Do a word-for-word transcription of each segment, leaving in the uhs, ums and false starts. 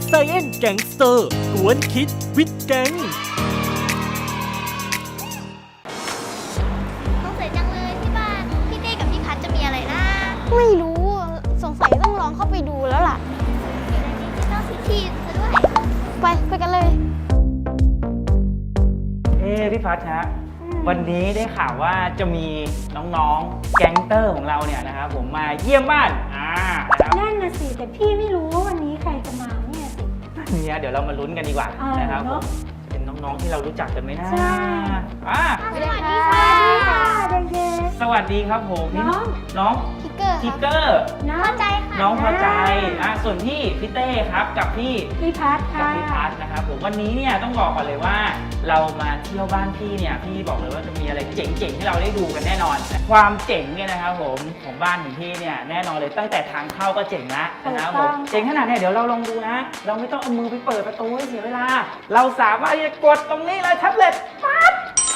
Science Gangster กวนคิดวิดแก๊งสงสัยจังเลยที่บ้านพี่เต้กับพี่พัดจะมีอะไรนะไม่รู้สงสัยต้องลองเข้าไปดูแล้วล่ะดิจิตอลซิตี้ซะด้วยไปไปกันเลยเอ้พี่พัดฮะวันนี้ได้ข่าวว่าจะมีน้องๆแก๊งเตอร์ของเราเนี่ยนะครับผมมาเยี่ยมบ้านอ่านะครับนั่นน่ะสิแต่พี่ไม่รู้ว่าวันนี้ใครจะมาเนี่ยสิเนี่ยเดี๋ยวเรามาลุ้นกันดีกว่านะครับผมเป็นน้องๆที่เรารู้จักกันไหมนะใช่อ่าสวัสดีค่ะเด็กสวัสดีครับผมน้องน้องทิกเกอร์ทิกเกอร์น้องเข้าใจค่ะน้องพอใจอ่าส่วนพี่พี่เต้ครับกับพี่พี่พัดกับค่ะพี่พัดนะครับผมวันนี้เนี่ยต้องบอกก่อนเลยว่าเรามาเที่ยวบ้านพี่เนี่ยพี่บอกเลยว่าจะมีอะไรเจ๋งๆให้เราได้ดูกันแน่นอนความเจ๋งเนี่ยนะครับผมของบ้านของพี่เนี่ยแน่นอนเลยตั้งแต่ทางเข้าก็เจ๋งละนะครับผมเจ๋งขนาดเนี่ยเดี๋ยวเราลองดูนะเราไม่ต้องเอามือไปเปิดประตูให้เสียเวลาเราสามารถที่จะกดตรงนี้เลยแท็บเล็ตปั๊บ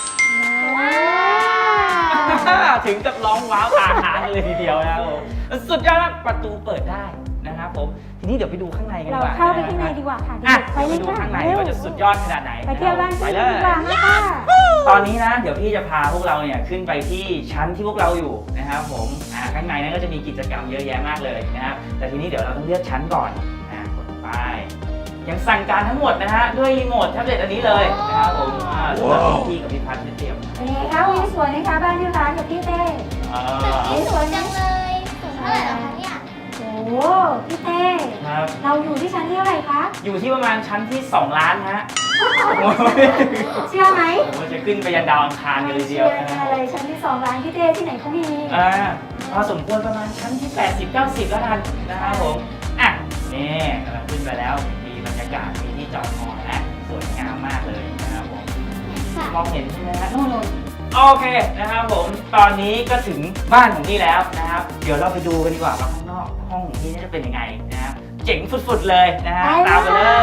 ถึงกับร้องว้าวตาค้างเลยทีเดียวนะครับผมสุดยอดมากประตูเปิดได้นะครับผมทีนี้เดี๋ยวไปดูข้างในกันดีเรากว่าเข้าไปข้างในดีกว่าค่ะอ่ะไปเลยดูค่ะข้างในว่าจะสุดยอดขนาดไหนไปเที่ยวบ้านไปพี่เลดียกว่านะคะตอนนี้นะเดี๋ยวพี่จะพาพวกเราเนี่ยขึ้นไปที่ชั้นที่พวกเราอยู่นะครับผมอ่าข้างในนั้นก็จะมีกิจกรรมเยอะแยะมากเลยนะครับแต่ทีนี้เดี๋ยวเราต้องเลือกชั้นก่อนอ่ากดไปยังสั่งการทั้งหมดนะฮะด้วยรีโมทแท็บเล็ตอันนี้เลยนะครับผมอ่าสำหรับพี่กับพี่พัฒน์เตรียมเป็นไงคะวิวสวยไหมคะบ้านพี่พัดกับพี่เต้อ่าตึกนี้สวยจังเลยสูงเท่าไหร่แล้วคะเนี่ยโอ้พี่เต้ครับเราอยู่ที่ชั้นที่เท่าไหร่คะอยู่ที่ประมาณชั้นที่สองล้านฮะเชื่อไหมผมจะขึ้นไปยันดาวอังคารกันเลยทีเดียวนะครัอะไรชั้นที่สองร้านพี่เต้ที่ไหนเขามีอ่าพอสมควรประมาณชั้นที่แปดสิบ เก้าสิบแล้วกันนะครับผมอ่ะนี่กำลังขึ้นไปแล้วมีบรรยากาศมีที่จอดฮอนะสวยงามมากเลยนะครับผมมองเห็นใช่ไหมฮะนู่นๆโอเคนะครับผมตอนนี้ก็ถึงบ้านของพี่แล้วนะครับเดี๋ยวเราไปดูกันดีกว่าว่าข้างนอกห้องของพี่จะเป็นยังไงนะครับเจ๋งสุดๆเลยนะฮะตามไปเลย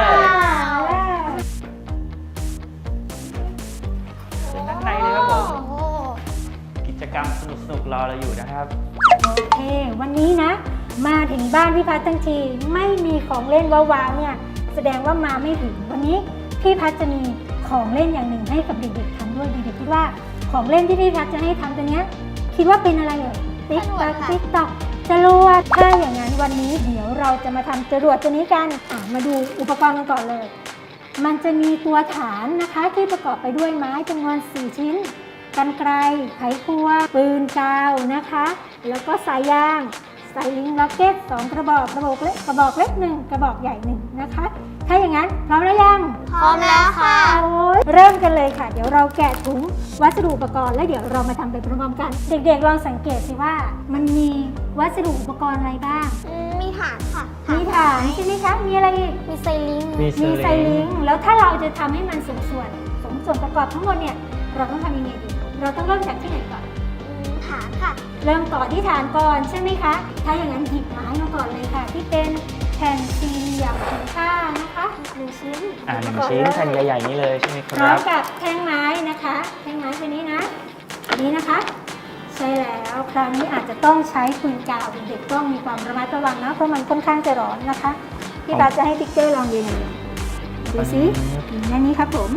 เป็นด้านในเลยครับผมโอ้โหกิจกรรมสนุกๆรอเราอยู่นะครับโอเควันนี้นะมาถึงบ้านพี่พัดทั้งทีไม่มีของเล่นว้าวๆเนี่ยแสดงว่ามาไม่ถึงวันนี้พี่พัดจะมีของเล่นอย่างหนึ่งให้กับเด็กๆทำด้วยเด็กๆคิดว่าของเล่นที่พี่พัดจะให้ทำตัวเนี้ยคิดว่าเป็นอะไรเอ่ยติ๊กต๊อกติ๊กต๊อกจรวดถ้าอย่างนั้นวันนี้เดี๋ยวเราจะมาทำจรวดตัวนี้กันอ่ะมาดูอุปกรณ์กันก่อนเลยมันจะมีตัวฐานนะคะที่ประกอบไปด้วยไม้จำนวนสี่ชิ้นกรรไกรไขควงปืนกาวนะคะแล้วก็สายยางสายลิงล็อกเก็ตสองกระบอกกระบอกเล็กกระบอกเล็กหนึ่งกระบอกใหญ่หนึ่งนะคะถ้าอย่างนั้นพร้อมแล้วยังพร้อมแล้วค่ะโอ้ยเริ่มกันเลยค่ะเดี๋ยวเราแกะถุงวัสดุอุปกรณ์แล้วเดี๋ยวเรามาทำไปพร้อมๆกันเด็กๆลองสังเกตสิว่ามันมีวัสดุอุปกรณ์อะไรบ้างอืมมีฐานค่ะมีฐานใช่ไหมคะมีอะไรอีกมีไซลิงมีมีไซลิงแล้วถ้าเราจะทำให้มันสมส่วนสมส่วนประกอบทั้งหมดเนี่ยเราต้องทำยังไงดีเราต้องเริ่มจากที่ไหนก่อนอืมฐานค่ะเริ่มต่อที่ฐานก่อนใช่ไหมคะ ถ้าอย่างนั้นหยิบไม้มาก่อนเลยค่ะ ที่เป็นแผ่นสี่เหลี่ยมผืนผ้านะคะหนึ่งชิ้นอ่าหนึ่งชิ้นแผ่นใหญ่ๆนี้เลยใช่ไหมคพร้อรัมบกับแท่งไม้นะคะแท่งไม้ตัวนี้นะอันนี้นะคะ ใช่แล้วคราวนี้อาจจะต้องใช้ปืนกาวเด็กๆต้องมีความระมัดระวังนะเพราะมันค่อนข้างจะร้อนนะคะพี่บาสจะให้ติ๊กเกอร์ลองยืนดูสิอันนี้ครับผม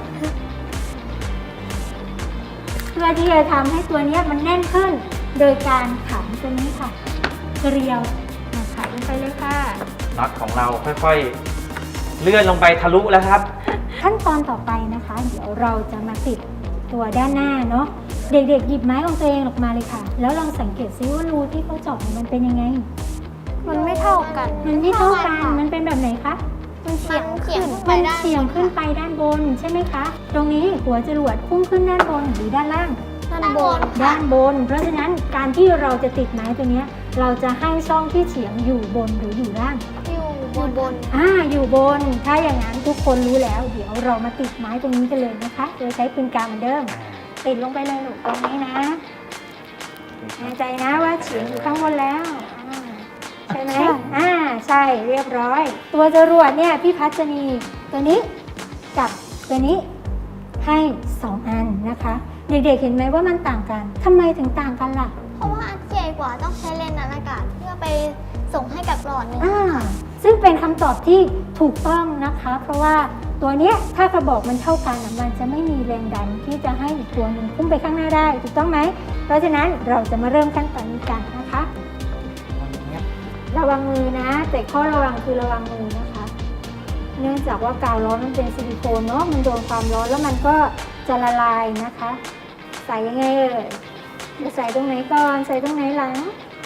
เพื่อที่จะทำให้ตัวนี้มันแน่นขึ้นโดยการขันตัวนี้ค่ะเกลียวขันลงไปเลยค่ะน็อตของเราค่อยๆเลื่อนลงไปทะลุแล้วครับขั้นตอนต่อไปนะคะ เดี๋ยวเราจะมาติดตัวด้านหน้าเนาะเด็กๆหยิบไม้ของตัวเองออกมาเลยค่ะ แล้วลองสังเกตซิว่ารูที่เขาเจาะมันเป็นยังไงมันไม่เท่ากันมันไม่เท่ากันมันเป็นแบบไหนคะมันเฉียงเฉียงขึ้นไปมันด้านเฉียงขึ้นไปด้านบนใช่ไหมคะ ตรงนี้หัวจรวดพุ่งขึ้นด้านบนหรือด้านล่างด้านบนด้านบน เพราะฉะนั้นการที่เราจะติดไม้ตัวนี้เราจะให้ช่องที่เฉียงอยู่บนหรืออยู่ล่างอยู่บนบนอ่าอยู่บน ถ้าอย่างนั้นทุกคนรู้แล้ว เดี๋ยวเรามาติดไม้ตรงนี้กันเลยนะคะโดยใช้ปืนกาวเหมือนเดิม ติดลงไปเลยหนูตรงนี้นะแน่ใจนะว่าเฉียงอยู่ข้างบนแล้วอ่าใช่ไหมอ่าใช่เรียบร้อย ตัวจรวดเนี่ยพี่พัชจะมีตัวนี้กับตัวนี้ให้สองอันนะคะ เด็กๆเห็นไหมว่ามันต่างกันทำไมถึงต่างกันล่ะเพราะว่าอันใหญ่กว่าต้องใช้เลนส์อากาศเพื่อไปส่งให้กับหลอดหนึงอ่าซึ่งเป็นคำตอบที่ถูกต้องนะคะ เพราะว่าตัวเนี้ยถ้ากระบอกมันเท่ากันอะมันจะไม่มีแรงดันที่จะให้อีกตัวหนึ่งพุ่งไปข้างหน้าได้ถูกต้องไหมเพราะฉะนั้นเราจะมาเริ่มขั้นตอนนี้กันนะคะ ระวังมือนะแต่ข้อระวังคือระวังมือนะคะ เนื่องจากว่ากาวร้อนมันเป็นซิลิโคนเนาะมันโดนความร้อนแล้วมันก็จะละลายนะคะ ใส่ยังไงเอ่ยจะใส่ตรงไหนก่อนใส่ตรงไหนหลัง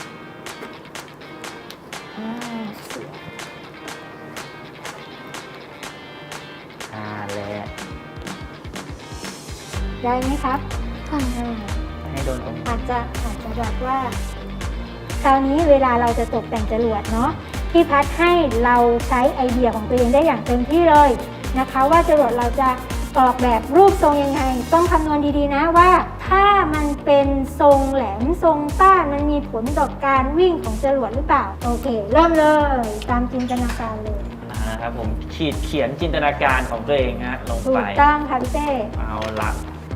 อ่าเสียอ่าแหละได้ไหมครับอ่าให้โดนตรงอาจจะอาจจะแบบว่าคราวนี้เวลาเราจะตกแต่งจรวดเนาะพี่พัดให้เราใช้ไอเดียของตัวเองได้อย่างเต็มที่เลยนะคะว่าจรวดเราจะออกแบบรูปทรงยังไงต้องคำนวณดีๆนะว่าถ้ามันเป็นทรงแหลมทรงต้านมันมีผลต่อการวิ่งของจรวดหรือเปล่าโอเคเริ่มเลยตามจินตนาการเลยนะครับผมขีดเขียนจินตนาการของตัวเองฮะลงถูไปกต้องค่ะพี่เต้เอาละ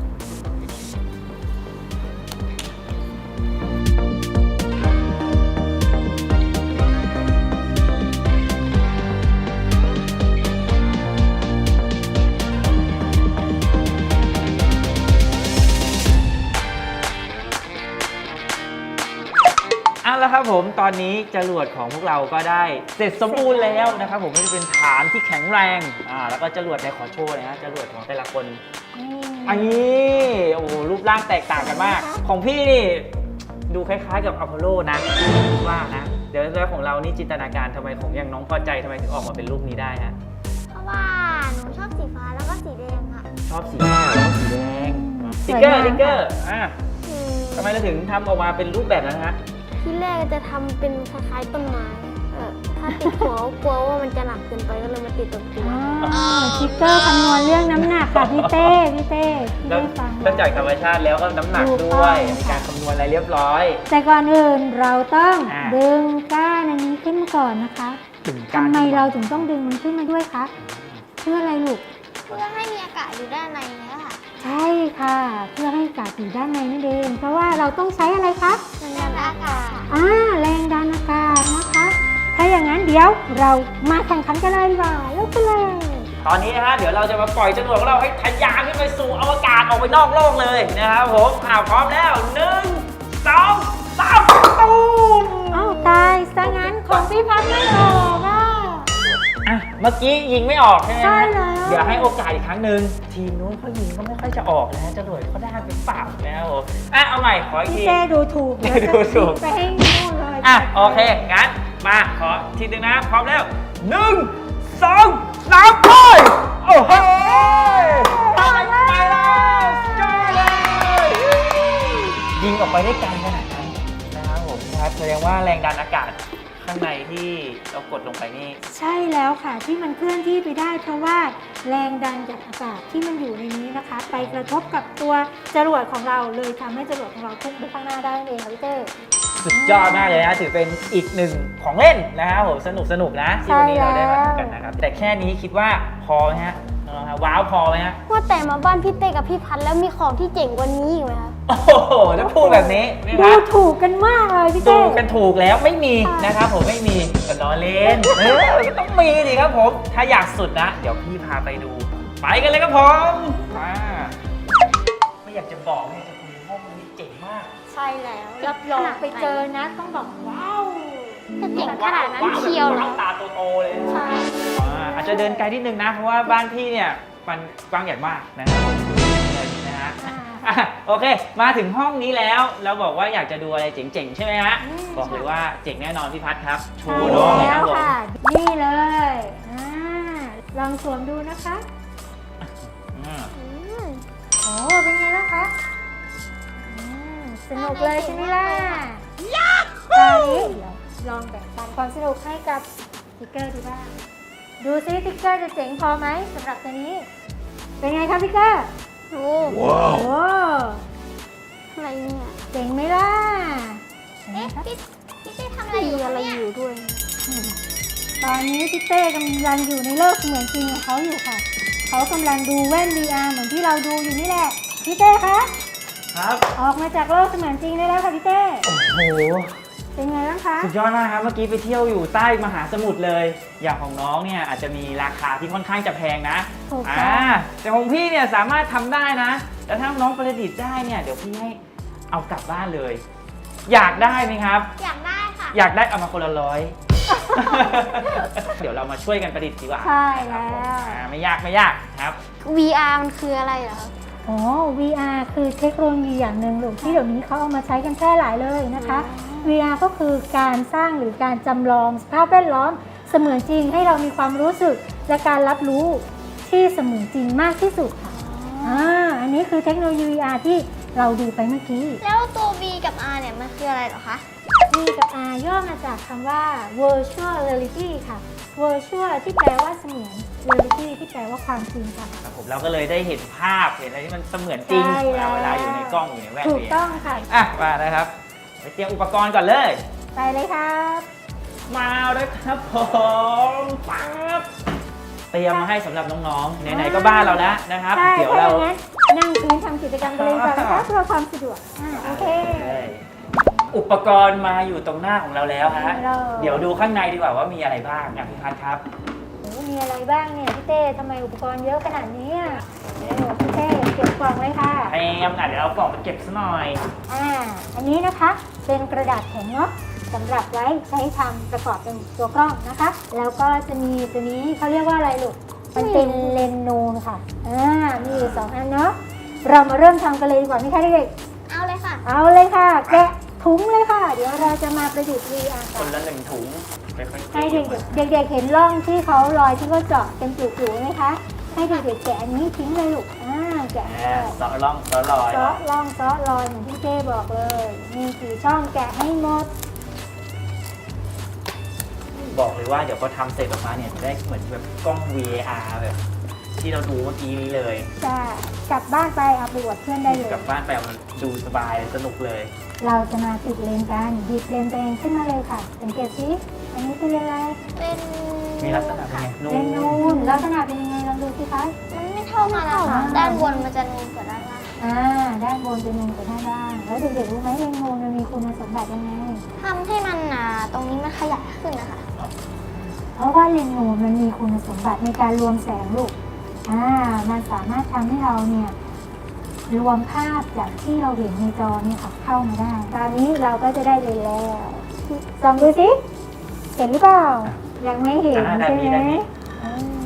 เอาละครับผมตอนนี้จรวดของพวกเราก็ได้เสร็จสมบูรณ์แล้วนะครับผมก็จะเป็นฐานที่แข็งแรงอ่าแล้วก็จรวดในขอโชว์เลยนะจรวดของแต่ละคน อันนี้โอ้โหรูปร่างแตกต่างกันมาก ของพี่นี่ดูคล้ายๆกับอพอลโลนะว่านะเดี๋ยวแล้วของเรานี่จินตนาการทำไมของอย่างน้องพอใจทำไมถึงออกมาเป็นรูปนี้ได้ฮะเพราะว่าหนูชอบสีฟ้าแล้วก็สีแดงค่ะชอบสีขาวแล้วก็สีแดงสติ๊กเกอร์สติ๊กเกอร์อ่ะคือทำไมเราถึงทำออกมาเป็นรูปแบบนั้นฮะที่แรกจะทำเป็นคล้ายๆต้นไม้เออถ้าติดหัวกลัวว่ามันจะหนักเกินไปก็เลยมาติดตรงตัวอ๋อสติ๊กเกอร์คำนวณเรื่องน้ำหนักค่ะพี่เต้พี่เต้พี่แล้วได้ฟังนอกจากธรรมชาติแล้วก็น้ำหนักถูกด้ต้วองยมีการคำนวณอะไรเรียบร้อยแต่ก่อนอื่นเราต้องอ่าดึงก้านอันนี้ขึ้นมาก่อนนะคะถึงทำไมเราถึงต้องดึงมันขึ้นมาด้วยคะเพื่ออะไรลูกเพื่อให้มีอากาศอยู่ด้านในเนี้ยค่ะใช่ค่ะ เพื่อให้อากาศอยู่ด้านในนั่นเองเพราะว่าเราต้องใช้อะไรคะมันดันอากาศอ่าแรงดันอากาศนะคะ ถ้าอย่างนั้นเดี๋ยวเรามาแข่งขันกันเลยดีกว่าเริ่มกันเลยตอนนี้นะฮะเดี๋ยวเราจะมาปล่อยจรวดของเราให้ทะยานขึ้นไปสู่อวกาศออกไปนอกโลกเลยนะครับผมอ่าพร้อมแล้วหนึ่งสองสามตูมเอ้าตายซะงั้นของพี่พัดไม่ออกอ่ะอ่ะเมื่อกี้ยิงไม่ออกใช่ไหมใช่ฮะแล้วเดี๋ยวให้โอกาสอีกครั้งหนึ่งทีมนู้นเขายิงก็ไม่ค่อยจะออกนะฮะจรวดเขาได้เป็นเปล่านะครับผมอ่ะเอาใหม่ขออีกพี่ทีเต้ดูถูกดูถูกไปให้นู่นเลยอ่ะโอเคงั้นมาขอทีหนึงนะพร้อมแล้วหนึ่งสองสามไปโอ้โหไปแล้วไปแล้วจ้าเลยยิงออกไปได้ไกลขนาดนั้นนะครับผมครับแสดงว่าแรงดันอากาศข้างในที่เรากดลงไปนี่ใช่แล้วค่ะที่มันเคลื่อนที่ไปได้เพราะว่าแรงดันจากอากาศที่มันอยู่ในนี้นะคะ ไปกระทบกับตัวจรวดของเราเลยทำให้จรวดของเราพุ่งไปข้างหน้าได้นั่นเองค่ะพี่เต้สุดยอดมากเลยนะถือเป็นอีกหนึ่งของเล่นนะครับผมสนุกสนุกนะที่วันนี้เราได้มาทำกันนะครับแต่แค่นี้คิดว่าพอไหมฮะน้องๆครับว้าวพอไหมฮะว่าแต่มาบ้านพี่เต้กับพี่พัดแล้วมีของที่เจ๋งกว่านี้อีกไหมคะโอ้โหถ้าพูดแบบนี้นะคดูรับถูกกันมากเลยพี่ดูเต้กันถูกแล้วไม่มีนะครับผมไม่มีก็ล้อเล่นเออก็ต้องมีดิครับผมถ้าอยากสุดนะ เดี๋ยวพี่พาไปดู ไปกันเลยครับผมมาไม่อยากจะบอกไม่อยากจะคุยห้องนี้เจ๋งมากใช่แล้วรับรองไปเจอนะต้องบอกว้าวจะเจ๋งขนาดนั้นเชียวเหรอว้าวตาโตๆเลยใช่อ่าอาจจะเดินไกลนิดนึงนะ เพราะว่าบ้านพี่เนี่ยมันกว้างใหญ่มากนะครับผมนะฮะอ่ะโอเค มาถึงห้องนี้แล้วเราบอกว่าอยากจะดูอะไรเจ๋งๆใช่ไหมฮะบอกเลยว่าเจ๋งแน่นอนพี่พัฒครับโชใช่ว์น้องเลยคแล้รับวผมค่ะนี่เลยอ่าลองสวมดูนะคะอืมอืมโอ้เป็นไงบ้างคะอืมสนุกเลยใช่ไหมล่ะตอนนี้เดี๋ยวลองแบ่งปันความสนุกให้กับสติ๊กเกอร์ดูบ้างดูซิสติ๊กเกอร์จะเจ๋งพอไหมสำหรับตัวนี้ เป็นไงครับพี่เกอร์โอ้โอ้อะไรเนี่ยเจ๋งไหมล่ะเอ๊ะพี่พี่เต้ทำอะไรอยู่อะไรอยู่ด้วยตอนนี้พี่เต้กำลังอยู่ในโลกเสมือนจริงของเขาอยู่ค่ะ เขากำลังดูแว่น วี อาร์ เหมือนที่เราดูอยู่นี่แหละพี่เต้คะครับออกมาจากโลกเสมือนจริงได้แล้วค่ะพี่เต้โอ้โหเป็นไงบ้างคะสุดยอดมากครับเมื่อกี้ไปเที่ยวอยู่ใต้มหาสมุทรเลย อย่างของน้องเนี่ยอาจจะมีราคาที่ค่อนข้างจะแพงนะถูกอ่าต้องแต่ของพี่เนี่ยสามารถทำได้นะแล้วถ้าน้องประดิษฐ์ได้เนี่ยเดี๋ยวพี่ให้เอากลับบ้านเลย อยากได้ไหมครับอยากได้ค่ะอยากได้เอามาคนละร้อย เดี๋ยวเรามาช่วยกันประดิษฐ์ดีกว่าใช่แล้วอ่าไม่ยากไม่ยากครับวี อาร์ มันคืออะไรเหรอครับอ๋อ วี อาร์ คือเทคโนโลยีอย่างหนึ่งลูกที่เดี๋ยวนี้เขาเอามาใช้กันแพร่หลายเลยนะคะ วี อาร์ ก็คือการสร้างหรือการจำลองสภาพแวดล้อมเสมือนจริงให้เรามีความรู้สึกและการรับรู้ที่เสมือนจริงมากที่สุดค่ะอ่าอันนี้คือเทคโนโลยี วี อาร์ ที่เราดูไปเมื่อกี้แล้วตัว V กับ R เนี่ยมันคืออะไรเหรอคะ V กับ R ย่อมาจากคำว่า virtual reality ค่ะ virtual ที่แปลว่าเสมือน reality ที่แปลว่าความจริงค่ะครับผมเราก็เลยได้เห็นภาพเห็นอะไรที่มันเสมือนจริงใช่แล้วเวลาอยู่ในกล้องอยู่ในแว่นถูกเนี่ยต้องค่ะอ่ะมานะครับไปเตรียมอุปกรณ์ก่อนเลยไปเลยครับมาเลยครับผมปั๊บเตรียมมาให้สำหรับน้องๆไหนๆก็บ้านเราแล้วนะครับใช่เดี๋ยวถ้าเราอย่างนั้นนั่งพื้นทำกิจกรรมกันเลยดีกว่านะคะเพื่อความสะดวกอ่าโอเคอุปกรณ์มาอยู่ตรงหน้าของเราแล้วฮะเราเดี๋ยวดูข้างในดีกว่าว่ามีอะไรบ้างอ่ะพี่พัดครับโอ้มีอะไรบ้างเนี่ยพี่เต้ทำไมอุปกรณ์เยอะขนาดนี้อ่ะโอ้พี่เต้เก็บกล่องเลยค่ะแอมอ่ะเดี๋ยวเรากล่องมาเก็บซะหน่อยอ่าอันนี้นะคะเป็นกระดาษแข็งเนาะสำหรับไว้ใช้ทำประกอบเป็นตัวกล้องนะคะ แล้วก็จะมีตัวนี้เขาเรียกว่าอะไรลูกมันเป็นเลนส์นูนค่ะอ่ามีอยู่สองอันเนาะเรามาเริ่มทำกันเลยดีกว่าไหมคะเด็กเอาเลยค่ะๆเอาเลยค่ะ แกะถุงเลยค่ะ เดี๋ยวเราจะมาประดิษฐ์ วี อาร์คกันนละหนึ่งถุงค่อยๆให้เก็เด็บกๆเด็กๆเห็นร่องที่เขารอยที่เขาเจาะเป็นจุ๋ๆไหมคะให้เด็กๆแกะอันนี้ทิ้งเลยลูกอ่าแกะอ่าเซาะร่องเซาะรอยเซาะร่องเซาะรอยเหมือนที่เจ้บอกเลย มีกี่ช่องแกะให้หมดบอกเลยว่าเดี๋ยวพอทำเสร็จออกมาเนี่ยจะได้เหมือนแบบกล้อง วี อาร์ แบบที่เราดูเมื่อกี้นี้เลยจะกลับบ้านไปเอาไปอวดเพื่อนได้เลยกลับบ้านไปเอามันดูสบายสนุกเลยเราจะมาติดเลนกันหยิบเลนตัวเองขึ้นมาเลยค่ะสังเกตสิอันนี้คืออะไรเป็นมีลักษณะเป็นไงนูเลนนูนลักษณะเป็นยังไงลองดูสิคะมันไม่เท่ากันนะคะอ่าด้านบนมันจะนูนกว่าด้านล่างอ่าด้านบนเป็นนูนกับด้านล่างแล้วเด็กๆรู้ไหมเลนนูนมันมีคุณสมบัติยังไงทำให้มันอ่าตรงนี้มันขยายขึ้นนะคะเพราะว่าเลนส์นูนมันมีคุณสมบัติในการรวมแสงลูก อ่า มันสามารถทำให้เราเนี่ยรวมภาพจากที่เราเห็นในจอเนี่ยค่ะเข้ามาได้ ตอนนี้เราก็จะได้เลยแล้วลองดูสิ เห็นหรือเปล่า ยังไม่เห็นอ่าได้ใช่มีไหมได้มีอืม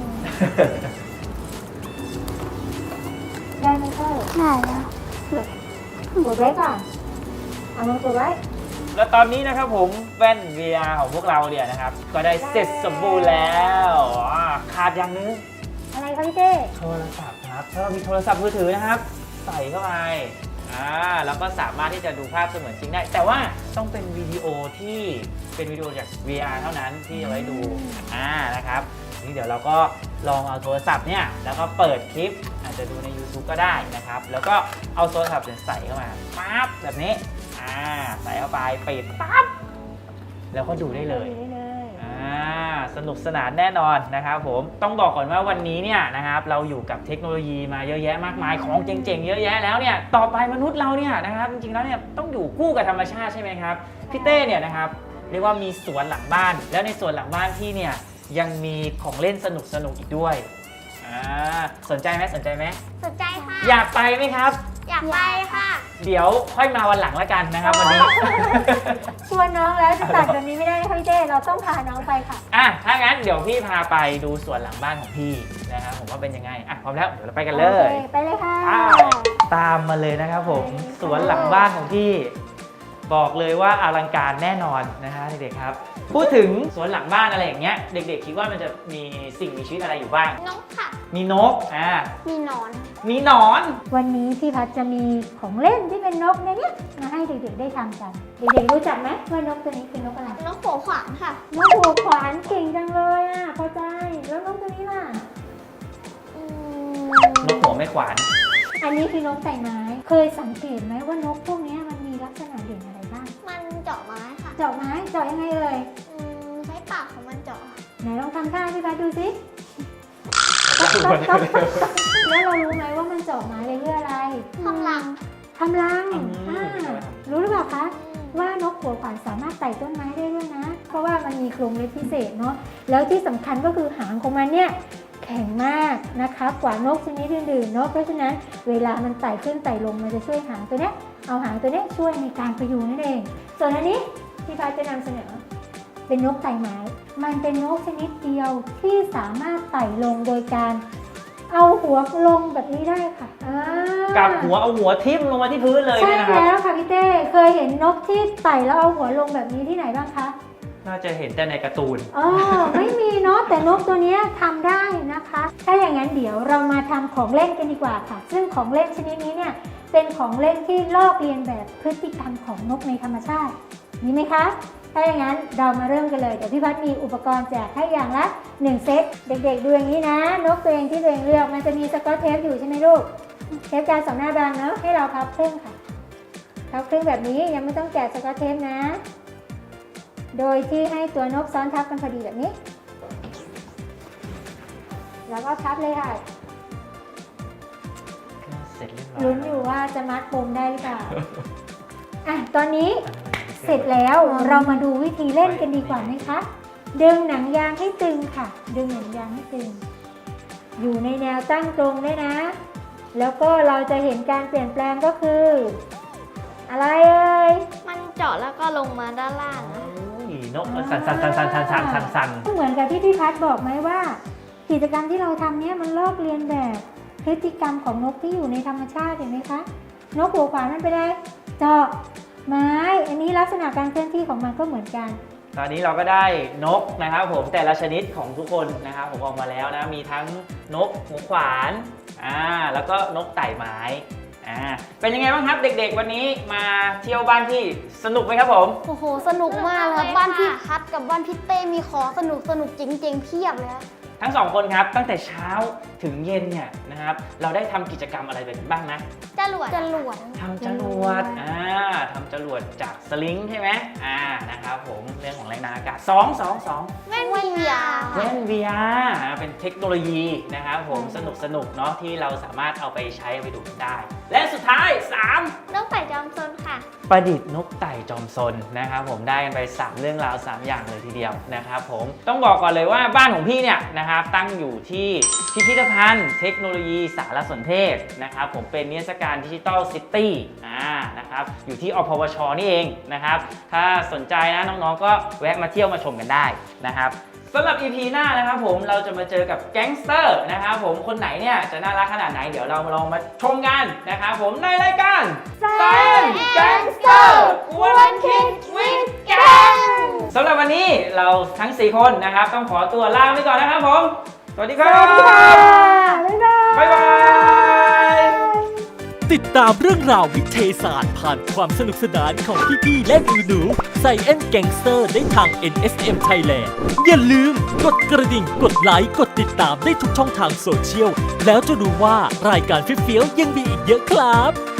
ได้ไหมเพื่อนได้แล้วกดไว้ก่อนเอามากดไว้แล้วตอนนี้นะครับผมแว่น วี อาร์ ของพวกเราเนี่ยนะครับ ก็ได้เสร็จสมบูรณ์แล้วอ่าขาดอย่างนึงอะไรคะพี่เต้โทรศัพท์ครับถ้าเรามีโทรศัพท์มือถือนะครับ ใส่เข้าไปอ่าแล้วก็สามารถที่จะดูภาพเสมือนจริงได้ แต่ว่าต้องเป็นวิดีโอที่เป็นวิดีโอจาก วี อาร์ เท่านั้นที่เอาไว้ดูอ่านะครับนี่เดี๋ยวเราก็ลองเอาโทรศัพท์เนี่ยแล้วก็เปิดคลิปอาจจะดูใน YouTube ก็ได้นะครับ แล้วก็เอาโทรศัพท์เนี่ยใส่เข้ามาปั๊บแบบนี้อ่าใส่เข้าไปปิดปั๊บแล้วก็ดูได้เลยได้เลยอ่าสนุกสนานแน่นอนนะครับผมต้องบอกก่อนว่าวันนี้เนี่ยนะครับเราอยู่กับเทคโนโลยีมาเยอะแยะมากมายของเจ๋งๆเยอะแยะแล้วเนี่ยต่อไปมนุษย์เราเนี่ยนะครับจริงๆแล้วเนี่ยต้องอยู่คู่กับธรรมชาติใช่ไหมครับพี่เต้เนี่ยนะครับเรียกว่ามีสวนหลังบ้าน แล้วในสวนหลังบ้านพี่เนี่ยยังมีของเล่นสนุกๆอีกด้วยอ่าสนใจไหมสนใจไหมสนใจค่ะอยากไปไหมครับอยากไปค่ะเดี๋ยวค่อยมาวันหลังแล้วกันนะครับวันนี้ชวนน้องแล้วจะตัดแบบนี้ไม่ได้นะคะพี่เต้เราต้องพาน้องไปค่ะอ่ะถ้างั้นเดี๋ยวพี่พาไปดูสวนหลังบ้านของพี่นะครับผมว่าเป็นยังไงอ่ะพร้อมแล้วเดี๋ยวเราไปกันเลโอย เคไปเลยค่ะอ้าว ตามมาเลยนะครับผมสวนหลังบ้านของพี่ บอกเลยว่าอลังการแน่นอนนะฮะเด็กๆครับ พูดถึงสวนหลังบ้านอะไรอย่างเงี้ยเด็กๆคิดว่ามันจะมีสิ่งมีชีวิตอะไรอยู่บ้างนกค่ะมีนกอ่ามีหนอนมีหนอนวันนี้พี่พัดจะมีของเล่นที่เป็นนกในเนี้ยมาให้เด็กๆได้ทำกัน เด็กๆรู้จักไหมว่านกตัวนี้คือนกอะไรนกหัวขวานค่ะนกหัวขวานเก่งจังเลยอ่ะพอใจแล้วนกตัวนี้ล่ะอืนกหัวไม่ขวานอันนี้คือนกใส่ไม้ เคยสังเกตไหมว่านกพวกเนี้ยมันมีลักษณะเด่นอะไรบ้างมันเจาะไม้ค่ะเจาะไม้เจาะยังไงเอ่ยอืมใช้ปากของมันเจาะค่ะไหนลองทำท่าให้พี่พัดดูสิเราควรจะแล้วเรารู้ไหมว่ามันเจาะไม้เลยเพื่ออะไรทำรังทำรังอืมอ่ารู้หรือเปล่าคะว่านกหัวขวานสามารถไต่ต้นไม้ได้ด้วยนะ เพราะว่ามันมีโครงเล็บพิเศษเนาะแล้วที่สำคัญก็คือหางของมันเนี่ยแข็งมากนะคะกว่านกชนิดอื่นๆเนาะเพราะฉะนั้นเวลามันไต่ขึ้นไต่ลงมันจะช่วยหางตัวเนี้ยเอาหางตัวเนี้ยช่วยในการพยุงนั่นเองส่วนอันนี้ที่พัดจะนำเสนอเป็นนกไต่ไม้มันเป็นนกชนิดเดียวที่สามารถไต่ลงโดยการเอาหัวลงแบบนี้ได้ค่ะอ่ากับหัวเอาหัวทิ่มลงมาที่พื้นเลยใช่เนี่ยนะครับแล้วค่ะพี่เต้เคยเห็นนกที่ไต่แล้วเอาหัวลงแบบนี้ที่ไหนบ้างคะน่าจะเห็นแต่ในการ์ตูนอ๋อไม่มีเนาะแต่นกตัวนี้ทำได้นะคะ ถ้าอย่างนั้นเดี๋ยวเรามาทำของเล่นกันดีกว่าค่ะ ซึ่งของเล่นชนิดนี้เนี่ยเป็นของเล่นที่ลอกเลียนแบบพฤติกรรมของนกในธรรมชาติมีไหมคะถ้าอย่างนั้นเรามาเริ่มกันเลยเดี๋ยวพี่พัดมีอุปกรณ์แจกให้อย่างละหนึ่งเซตเด็กๆดูอย่างนี้นะนกตัวเองที่ตัวเองเลือกมันจะมีสกอตเทปอยู่ใช่ไหมลูกเทปกาวสองหน้าบางเนาะให้เราพับครึ่งค่ะพับครึ่งแบบนี้ยังไม่ต้องแกะสกอตเทปนะโดยที่ให้ตัวนกซ้อนทับกันพอดีแบบนี้แล้วก็พับเลยค่ะเสร็จเรียบร้อยลุ้นอยู่ว่าจะมัดปมได้หรือเปล่า อ่ะตอนนี้เสร็จแล้วเรามาดูวิธีเล่นกันดีกว่าไหมคะดึงหนังยางให้ตึงค่ะดึงหนังยางให้ตึงอยู่ในแนวตั้งตรงด้วยนะแล้วก็เราจะเห็นการเปลี่ยนแปลงก็คือ อะไรเอ่ยมันเจาะแล้วก็ลงมาด้านล่างนะโอ้ยนกมันสั่นสั่นสั่นสั่นสั่นสั่นสั่นสั่นเหมือนกับที่พี่พัดบอกไหมว่า กิจกรรมที่เราทำเนี้ยมันลอกเลียนแบบพฤติกรรมของนกที่อยู่ในธรรมชาติเห็นไหมคะนกหัวขวานมันเป็นอะไรเจาะไม้อันนี้ลักษณะการเคลื่อนที่ของมันก็เหมือนกันตอนนี้เราก็ได้นกนะครับผมแต่ละชนิดของทุกคนนะครับผมออกมาแล้วนะมีทั้งนกหัวขวานอ่าแล้วก็นกไต่ไม้อ่าเป็นยังไงบ้างครับเด็กๆวันนี้มาเที่ยวบ้านพี่สนุกไหมครับผมโอ้โหสนุกมากเลยครับบ้านพี่พัดกับบ้านพี่เต้มีของสนุกสนุกจริงๆเพียบเลยครับทั้งสองคนครับตั้งแต่เช้าถึงเย็นเนี่ยนะครับเราได้ทำกิจกรรมอะไรไปบ้างนะจรวดจรวดทำจรวดอ่าทำจรวดจากสลิงใช่ไหมอ่านะครับผมเรื่องของแรงดันอากาศสอง สอง สองแว่นวีอาร์แว่น วี อาร์ เป็นเทคโนโลยีนะครับผมสนุกสนุกเนาะที่เราสามารถเอาไปใช้ไปดูได้ และสุดท้าย สามนกไต่จอมซนค่ะประดิษฐ์นกไต่จอมซนนะครับผมได้กันไปสามเรื่องราวสามอย่างเลยทีเดียวนะครับผมต้องบอกก่อนเลยว่าบ้านของพี่เนี่ยนะครับตั้งอยู่ที่พิพิธภัณฑ์เทคโนโลยีสารสนเทศนะครับผมเป็นนิทรรศการดิจิตอลซิตี้อ่านะครับอยู่ที่อพวชนี่เองนะครับถ้าสนใจนะน้องๆก็แวะมาเที่ยวมาชมกันได้นะครับสำหรับ อี พี หน้านะครับผมเราจะมาเจอกับแก๊งสเตอร์นะครับผมคนไหนเนี่ยจะน่ารักขนาดไหนเดี๋ยวเราลองมาชมกันนะครับผมในรายการ Science Gangster กวนคิดวิทย์แก๊งสำหรับวันนี้เราทั้งสี่คนนะครับต้องขอตัวลาไปก่อนนะครับผมสวัสดีครับบ๊ายบายบ๊ายบายติดตามเรื่องราววิทยาศาสตร์ผ่านความสนุกสนานของพี่ๆและหนูๆ Science Gangster ได้ทาง เอ็น เอส เอ็ม Thailand อย่าลืมกดกระดิ่งกดไลค์กดติดตามได้ทุกช่องทางโซเชียล แล้วจะรู้ว่ารายการฟิเฟี้ยวๆยังมีอีกเยอะครับ